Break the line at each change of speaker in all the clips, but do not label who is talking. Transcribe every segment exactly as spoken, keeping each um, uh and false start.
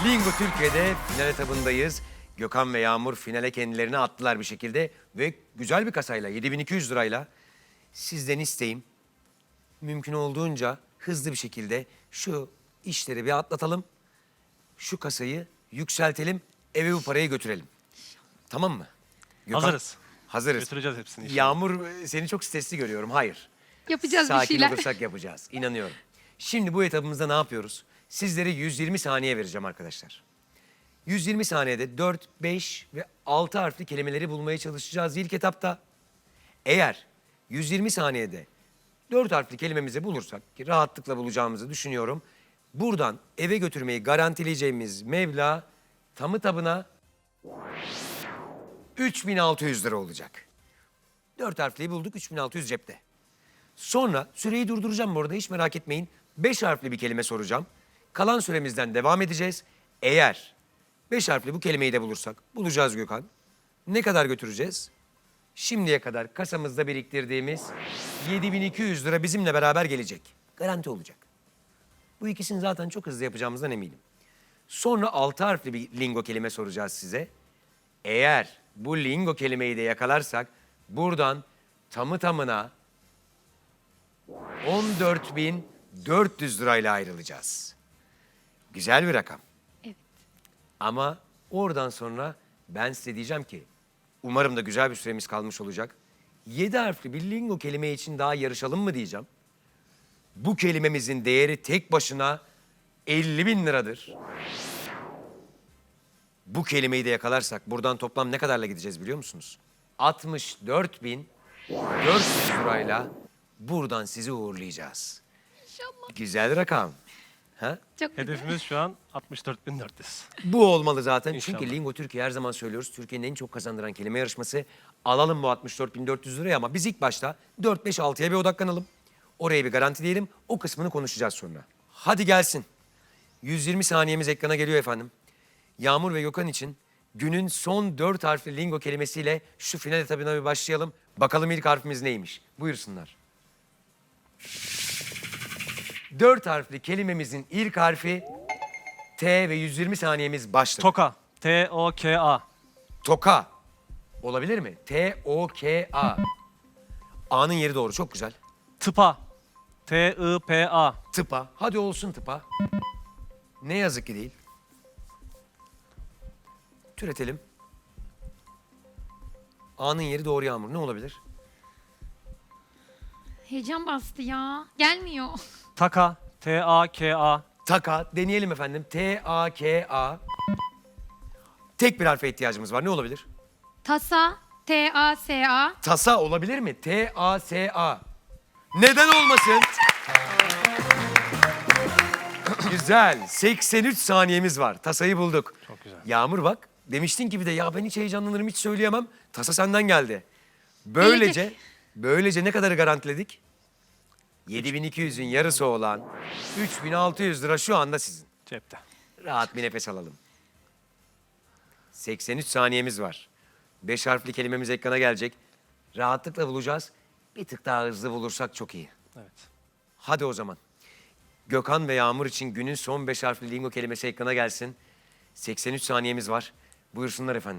Bingo Türkiye'de final etabındayız. Gökhan ve Yağmur finale kendilerini attılar bir şekilde. Ve güzel bir kasayla, yedi bin iki yüz lirayla sizden isteğim mümkün olduğunca hızlı bir şekilde şu işleri bir atlatalım. Şu kasayı yükseltelim, eve bu parayı götürelim. Tamam mı? Gökhan,
Hazırız.
Hazırız.
Götüreceğiz hepsini inşallah.
Yağmur, seni çok stresli görüyorum. Hayır.
Yapacağız bir
Sakin
şeyler.
olursak yapacağız. İnanıyorum. Şimdi bu etabımızda ne yapıyoruz? Sizlere yüz yirmi saniye vereceğim arkadaşlar. yüz yirmi saniyede dört, beş ve altı harfli kelimeleri bulmaya çalışacağız ilk etapta. Eğer yüz yirmi saniyede dört harfli kelimemizi bulursak, ki rahatlıkla bulacağımızı düşünüyorum, buradan eve götürmeyi garantileyeceğimiz meblağ tamı tabına üç bin altı yüz lira olacak. Dört harfliyi bulduk, üç bin altı yüz cepte. Sonra süreyi durduracağım bu arada, hiç merak etmeyin. Beş harfli bir kelime soracağım. Kalan süremizden devam edeceğiz. Eğer beş harfli bu kelimeyi de bulursak, bulacağız Gökhan. Ne kadar götüreceğiz? Şimdiye kadar kasamızda biriktirdiğimiz yedi bin iki yüz lira bizimle beraber gelecek. Garanti olacak. Bu ikisini zaten çok hızlı yapacağımızdan eminim. Sonra altı harfli bir lingo kelime soracağız size. Eğer bu lingo kelimeyi de yakalarsak buradan tamı tamına on dört bin dört yüz lirayla ayrılacağız. Güzel bir rakam.
Evet.
Ama oradan sonra ben size diyeceğim ki umarım da güzel bir süremiz kalmış olacak. Yedi harfli bir lingo kelime için daha yarışalım mı diyeceğim. Bu kelimemizin değeri tek başına elli bin liradır. Bu kelimeyi de yakalarsak buradan toplam ne kadarla gideceğiz biliyor musunuz? altmış dört bin dört yüz lirayla buradan sizi uğurlayacağız.
İnşallah.
Güzel rakam. Ha?
Çok güzel.
Hedefimiz şu an altmış dört bin dört yüz.
Bu olmalı zaten.
İnşallah.
Çünkü Lingo Türkiye her zaman söylüyoruz. Türkiye'nin en çok kazandıran kelime yarışması. Alalım bu altmış dört bin dört yüz lirayı ama biz ilk başta dört beş altıya bir odaklanalım. Oraya bir garanti diyelim. O kısmını konuşacağız sonra. Hadi gelsin. yüz yirmi saniyemiz ekrana geliyor efendim. Yağmur ve Gökhan için günün son dört harfli lingo kelimesiyle şu final etabına bir başlayalım. Bakalım ilk harfimiz neymiş? Buyursunlar. Dört harfli kelimemizin ilk harfi T ve yüz yirmi saniyemiz başladı.
Toka. T O K A.
Toka. Olabilir mi? T O K A. A'nın yeri doğru. Çok güzel.
Tıpa. T I P A.
Tıpa. Hadi olsun tıpa. Ne yazık ki değil. Türetelim. A'nın yeri doğru Yağmur. Ne olabilir?
Heyecan bastı ya. Gelmiyor.
Taka. T A K A.
Taka. Deneyelim efendim. T A K A. Tek bir harfe ihtiyacımız var. Ne olabilir?
Tasa. T A S A.
Tasa olabilir mi? T A S A. Neden olmasın? Güzel. seksen üç saniyemiz var. Tasayı bulduk.
Çok güzel.
Yağmur bak. Demiştin ki bir de ya ben hiç heyecanlanırım, hiç söyleyemem. Tasa senden geldi. Böylece,
Gelecek.
böylece ne kadarı garantiledik? yedi bin iki yüzün yarısı olan üç bin altı yüz lira şu anda sizin.
Cepte.
Rahat bir nefes alalım. seksen üç saniyemiz var. Beş harfli kelimemiz ekrana gelecek. Rahatlıkla bulacağız. Bir tık daha hızlı bulursak çok iyi.
Evet.
Hadi o zaman. Gökhan ve Yağmur için günün son beş harfli lingo kelimesi ekrana gelsin. seksen üç saniyemiz var. Buyursunlar efendim.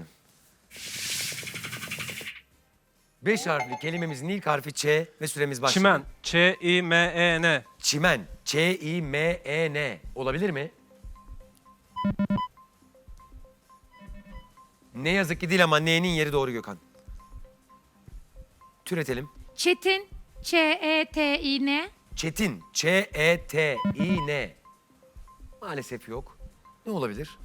Beş harfli kelimemizin ilk harfi Ç ve süremiz başladı.
Çimen. Ç I M E N.
Çimen. Ç-I-M-E-N. Olabilir mi? Ne yazık ki değil ama N'nin yeri doğru Gökhan. Türetelim.
Çetin. Ç E T İ N.
Çetin. Ç-E-T-İ-N. Maalesef yok. Ne olabilir?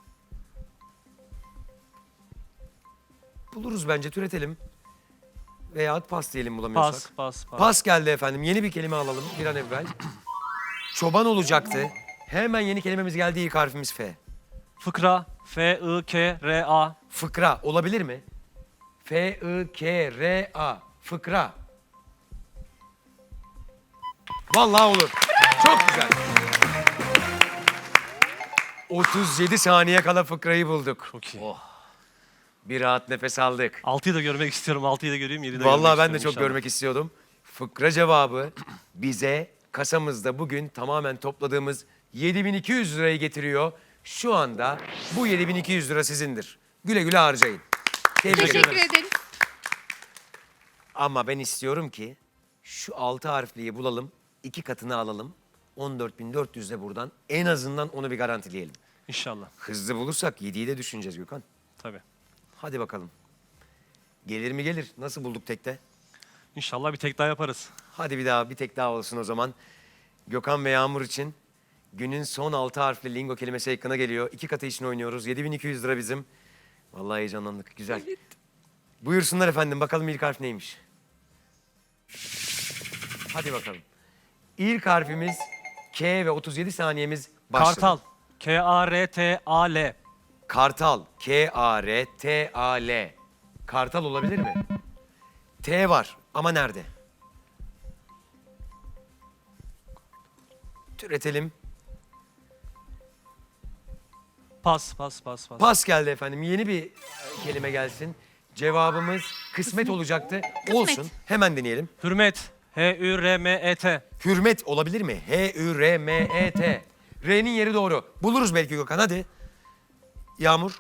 Buluruz bence, türetelim. Veyahut pas diyelim bulamıyorsak.
Pas. Pas. Pas.
Pas geldi efendim. Yeni bir kelime alalım bir an evvel. Çoban olacaktı. Hemen yeni kelimemiz geldi. İlk harfimiz F.
Fıkra. F I K R A.
Fıkra olabilir mi? F-I-K-R-A. Fıkra. Vallahi olur. Çok güzel. otuz yedi saniye kala fıkrayı bulduk.
Çok iyi.
Bir rahat nefes aldık.
Altıyı da görmek istiyorum. Altıyı da göreyim. Yedi de
Vallahi
görmek
ben de
istiyorum
çok
inşallah.
görmek istiyordum. Fıkra cevabı bize kasamızda bugün tamamen topladığımız yedi bin iki yüz lirayı getiriyor. Şu anda bu yedi bin iki yüz lira sizindir. Güle güle harcayın. Tebrik ederim.
Teşekkür ederiz.
Ama ben istiyorum ki şu altı harfliyi bulalım, iki katını alalım. on dört bin dört yüzle buradan en azından onu bir garantileyelim.
İnşallah.
Hızlı bulursak yediyi de düşüneceğiz Gökhan.
Tabii.
Hadi bakalım. Gelir mi gelir? Nasıl bulduk tekte?
İnşallah bir tek daha yaparız.
Hadi bir daha bir tek daha olsun o zaman. Gökhan ve Yağmur için günün son altı harfli lingo kelimesi ekrana geliyor. İki katı için oynuyoruz. yedi bin iki yüz lira bizim. Vallahi heyecanlandık. Güzel. Buyursunlar efendim. Bakalım ilk harf neymiş? Hadi bakalım. İlk harfimiz K ve otuz yedi saniyemiz başladı.
Kartal. K A R T A L.
Kartal. K A R T A L. Kartal olabilir mi? T var ama nerede? Türetelim.
Pas, pas, pas, pas.
Pas geldi efendim. Yeni bir e, kelime gelsin. Cevabımız kısmet olacaktı. Olsun. Hemen deneyelim.
Hürmet. H Ü R M E T.
Hürmet olabilir mi? H Ü R M E T. R'nin yeri doğru. Buluruz belki Gökhan. Hadi. Yağmur.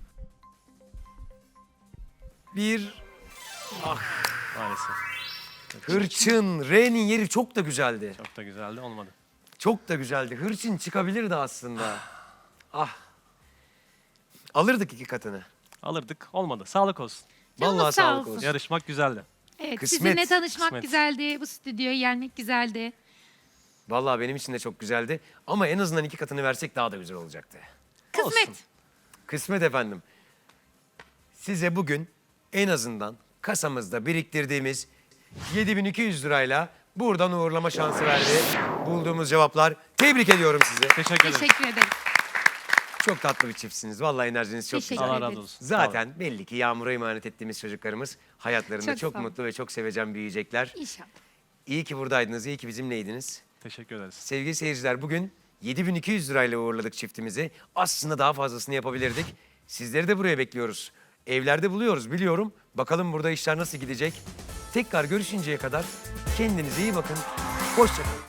Bir
Maalesef.
hırçın. R'nin yeri çok da güzeldi.
Çok da güzeldi, olmadı.
Çok da güzeldi. Hırçın çıkabilirdi aslında. Ah. Alırdık iki katını.
Alırdık, olmadı. Sağlık olsun.
Canınız
Vallahi
sağ
sağlık
olsun.
olsun.
Yarışmak güzeldi.
Evet,
Kısmet.
sizinle tanışmak
Kısmet.
güzeldi. Bu stüdyoya gelmek güzeldi.
Vallahi benim için de çok güzeldi. Ama en azından iki katını versek daha da güzel olacaktı.
Kısmet.
Olsun.
Kısmet efendim. Size bugün en azından kasamızda biriktirdiğimiz yedi bin iki yüz lirayla buradan uğurlama şansı verdi. Bulduğumuz cevaplar. Tebrik ediyorum sizi.
Teşekkür ederim.
Teşekkür ederim.
Çok tatlı bir çiftsiniz. Vallahi enerjiniz çok
Teşekkür
güzel.
Allah
ederim.
razı olsun.
Zaten belli ki Yağmur'a emanet ettiğimiz çocuklarımız hayatlarında
Çok
çok,
sağ olun.
mutlu ve çok sevecen büyüyecekler.
İnşallah.
İyi ki buradaydınız, iyi ki bizimleydiniz.
Teşekkür ederiz.
Sevgili seyirciler, bugün yedi bin iki yüz lirayla uğurladık çiftimizi. Aslında daha fazlasını yapabilirdik. Sizleri de buraya bekliyoruz. Evlerde buluyoruz biliyorum. Bakalım burada işler nasıl gidecek. Tekrar görüşünceye kadar kendinize iyi bakın. Hoşça kalın.